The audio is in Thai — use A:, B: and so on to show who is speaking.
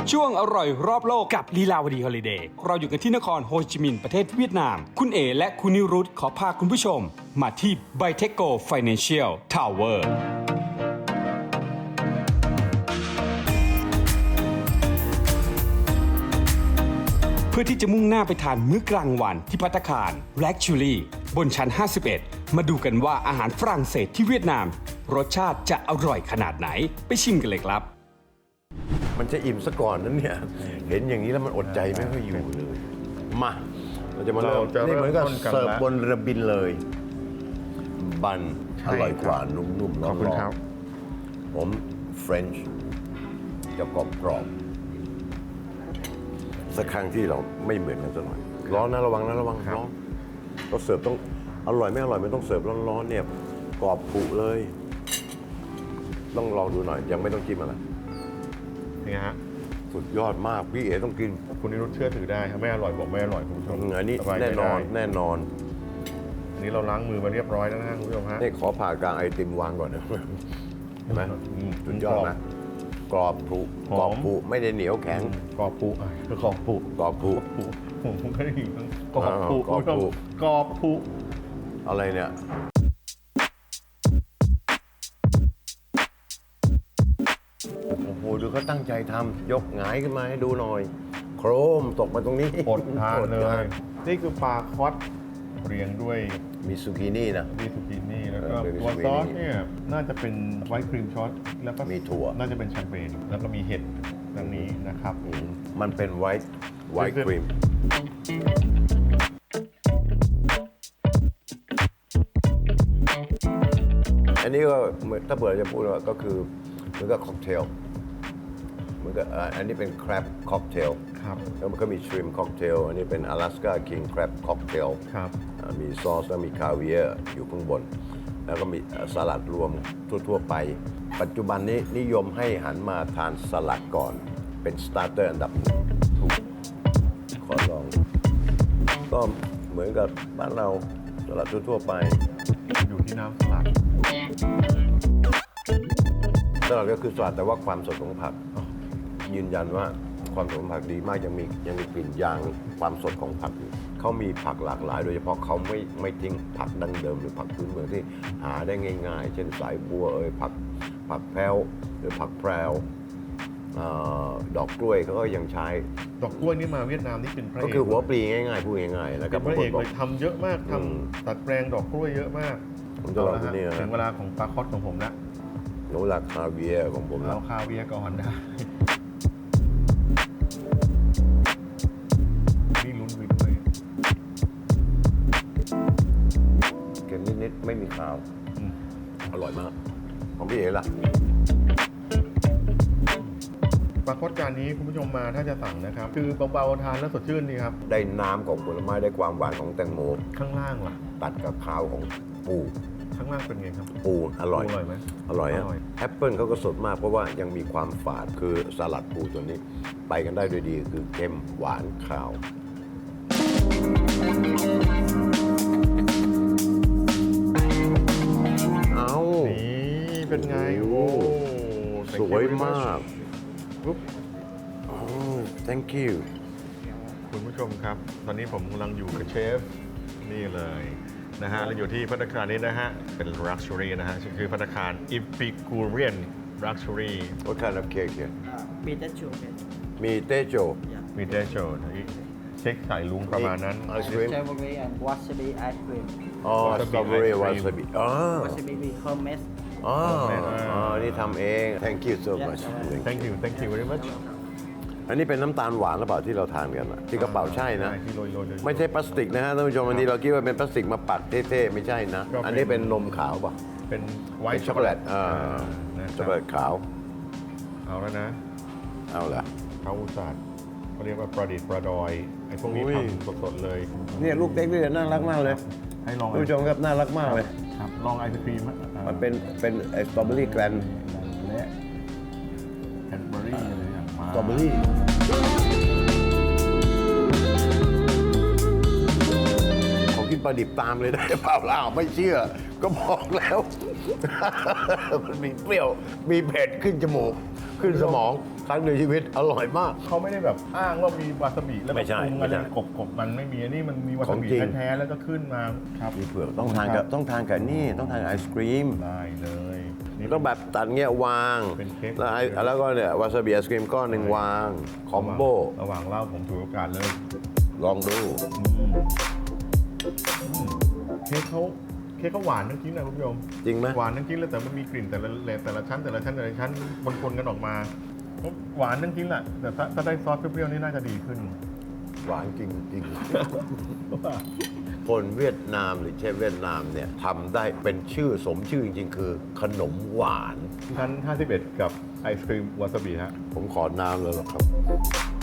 A: ช่วงอร่อยรอบโลกกับลีลาวดีฮอลิเดย์เราอยู่กันที่นครโฮจิมินห์ประเทศเวียดนามคุณเอและคุณนิรุตขอพาคุณผู้ชมมาที่ Byteco Financial Tower เพื่อที่จะมุ่งหน้าไปทานมื้อกลางวันที่ภัตตาคาร Luxury บนชั้น 51 มาดูกันว่าอาหารฝรั่งเศสที่เวียดนามรสชาติจะอร่อยขนาดไหนไปชิมกันเลยครับ
B: มันจะอิ่มซะก่อนนั้นเนี่ยเห็นอย่างนี้แล้วมันอดใจไม่ค่อยอยู่เลยมาเราจะมาเริ่มนี่เหมือนกับเสิร์ฟบนเรือบินเลยบันอร่อยกว่านุ่มๆร้อนๆผมเฟรนช์จะกรอบสักครั้งที่เราไม่เหมือนกันสักหน่อยร้อนนะระวังนะระวังร้อนเราเสิร์ฟต้องอร่อยไม่อร่อยไม่ต้องเสิร์ฟร้อนๆเนี่ยกรอบผุเลยต้องลองดูหน่อยยังไม่ต้องจิ้มอะไร
C: นี่ฮะ
B: สุดยอดมากพี่เอ๋ต้องกิน
C: คุณนิรุตเชื่อถือได้ครับไม่อร่อยบอกไม่อร่อยคุณผู้ชม
B: อันนี้
C: สบายใจ
B: แน่นอน
C: ได้
B: แน่นอน
C: อันนี้เราล้างมือมาเรียบร้อยแล้วนะฮะคุณผู้ชมฮะ
B: นี่ขอผ่ากลางไอติมวางก่อนนะเห็นไหมสุดยอดนะกรอบผุกรอบผุไม่ได้เหนียวแข็ง
C: กรอบปุกรอบปุ
B: กรอบผุ
C: ผมก็ได้ยินกรอบปุ
B: กรอบปุ
C: กรอบปุ
B: อะไรเนี่ยโอ้โหดูเขาตั้งใจทำยกหงายขึ้นมาให้ดูหน่อย โครมตกมาตรงนี้
C: อดทานเลย นี่คือปลาคอสเรียงด้วย
B: มีซูกินี่นะ
C: มีซูกินี่แล้วก็
B: มี
C: ตัว
B: ซูกินี่
C: ซอสเนี่ยน่าจะเป็นไวท์ครีมช็อตแล้วก็
B: มีถั่ว
C: น่าจะเป็นแชมเปญแล้วก็มีเห็ดดังนี้นะครับ
B: มันเป็นไวท์ครีมอันนี้ก็ถ้าเผื่อจะพูดว่าก็คือเหมือนกับค็อกเทลเหมือนกับอันนี้เป็นแครบค็อกเทล
C: ครับ
B: แล้วมันก็มีชริมค็อกเทลอันนี้เป็น阿拉斯加คิงแครบค็อกเทล
C: ครับ
B: มีซอสแล้วมีคาเวียร์อยู่ข้างบน แล้วก็มีสลัดรวมทั่วๆไป ปัจจุบันนี้นิยมให้หันมาทานสลัดก่อนเป็นสตาร์เตอร์อันดับหนึ่งถูกขอลอง ก็เหมือนกับบ้านเราสลัดทั่วๆไป
C: อยู่ที่น้ำสลัด
B: สลัดก็คือสลัดแต่ว่าความสดของผักยืนยันว่าความสดของผักดีมากยังมีกลิ่นยางความสดของผักอยู่เขามีผักหลากหลาย โดยเฉพาะเขาไม่ทิ้งผักดั้งเดิมหรือผักพื้นเมืองที่หาได้ง่ายๆ เช่นสายบัวผักแพรวหรือผักแพรวดอกกล้วยเขาก็ยังใช้
C: ดอกกล้วยนี่มาเวียดนามนี่เป็นพระเอก
B: ก็คือหัวปลีง่ายๆพูดง่ายๆแล้วก็
C: เป็นพระเอก
B: บ
C: เลยทำเยอะมากทำตัดแปลงดอกกล้วยเยอะมาก
B: ผมจะลองที่นี่นะ
C: ถึงเวลาของปลาคอสของผมละ
B: หนูราคาเวียร์ของผมแล้
C: เอา
B: ว
C: คาเวียร์ก่อนได้นี่ลุ้นวินเลย
B: เค็มนิดๆไม่มีขาว อร่อยมาก ของพี่เอ๋ล่ะ
C: ปลาคอสจานนี้คุณผู้ชมมาถ้าจะสั่งนะครับ คือเบาๆทานแล้วสดชื่นดีครับ
B: ได้น้ำของผลไม้ได้ความหวานของแตงโม
C: ข้างล่างล่ะ
B: ตัดกับข้าวของปู
C: ข้างล่างเป็นไงครับ
B: ปูอร่อย
C: ปูอร่อยไหม
B: อร่อยฮะ
C: อร่อย
B: แอปเปิลเขาก็สดมากเพราะว่ายังมีความฝาดคือสลัดปูตัวนี้ ไปกันได้ด้วยดีคือเค็มหวานข้าว เอา
C: นี่เป็นไง
B: โอ้
C: โอ้
B: สวยมาก
C: ปุ๊บ
B: โอ้ thank you
C: คุณผู้ชมครับ ตอนนี้ผมกำลังอยู่กับเชฟนี่เลยนะฮะเราอยู่ที่ภัตตาคารนี้นะฮะเป็น Luxury นะฮะคือภัตตาคาร Epicurean Luxury
B: What kind of cake here
D: Bitter chocolate.
B: มีเตโจ
C: มีเดชโชเช็คสายลุงประมาณนั้น
B: ไอศครีม
D: Strawberry and wasabi ice cream.
B: อ๋อ
C: Wasabi
B: สตรอเบอรี่
C: ice
B: วา
C: cream
B: ซาบิอ๋อ
D: Wasabi we homemade.
B: อ๋ออ๋อ นี่ทำเอง thank you so much
C: thank you very much
B: อันนี้เป็นน้ำตาลหวานหรือเปล่าที่เราทานกันอะที่กระเป๋าใช่นะ
C: ที่โรยๆ
B: ไม่ใช่พลาสติกนะฮะท่านผู้ชมอันนี้เราคิดว่าเป็นพลาสติกมาปักเท่ๆไม่ใช่นะ
C: ก็เป็น
B: อันนี้เป็นนมขาวป่ะ
C: เป็นไว
B: เป็น
C: ท์
B: ช็อกโกแลต
C: นะค
B: ช็อกโก
C: รั
B: แล
C: บ
B: ตขาว
C: เอาแล้วนะ
B: เอาละ
C: เขาอุตส่าห์เขาเรียกว่าประดิษฐ์ประดอยไอ้พวกนี้
B: อุ้ย
C: ทำสดๆเลย
B: เนี่ยลูกเต็กนี่น่ารักมากเลย
C: ให้ลอง
B: ท่านผู้ชมครับน่ารักมากเลย
C: ครับลองไอศครีม
B: มันเป็นสตรอเบอรี่แกรน
C: และแคนเบอรี่อะไรอย่างมา
B: สตรอเบอรี่ขอกินปลาดิบตามเลยได้เปล่าล่ะไม่เชื่อ ก็บอกแล้ว มันมีเปรี้ยว มีเผ็ดขึ้นจมูก ขึ้นสมองครั้งในชีวิตอร่อยมาก
C: เขาไม่ได้แบบอ้างว่ามีวาซาบิแล้วก็
B: ไม่ใช่
C: ปรุง
B: ไม่
C: อะไร
B: ใช่
C: กบมันไม่มีอันนี้มันมีวาซาบิ
B: ของจริง
C: แท้ๆแล้วก็ขึ้นมาครับ
B: มีเผือกต้องทานกับนี่ต้องทานกับไอศครีม
C: ได้เลยนี่
B: ต้องแบบตัดเงี้ยวาง
C: เป็นเค้ก
B: แล้วก็เนี่ยวาซาบิไอศครีมก้อนหนึ่งวางคอมโบ
C: ระหว่างเล่าผมถือโอกาสเลย
B: ลองดู
C: เค้กเขาหวานทั้งชิ้นนะคุณผู้ชม
B: จริงไหม
C: หวานทั้งชิ้นเลยแต่มันมีกลิ่นแต่ละชั้นปนๆกันออกมาหวานทั้งชิ้นแหละแต่ถ้าได้ซอสเปรี้ยวๆนี่น่าจะดีขึ้น
B: หวานจริงๆ คนเวียดนามหรือเชฟเวียดนามเนี่ยทำได้เป็นชื่อสมชื่อจริงๆ คือขนมหวาน
C: ชั้น 51 กับไอศครีมวาซาบิฮะ
B: ผมขอน้ำเลยหรอครับ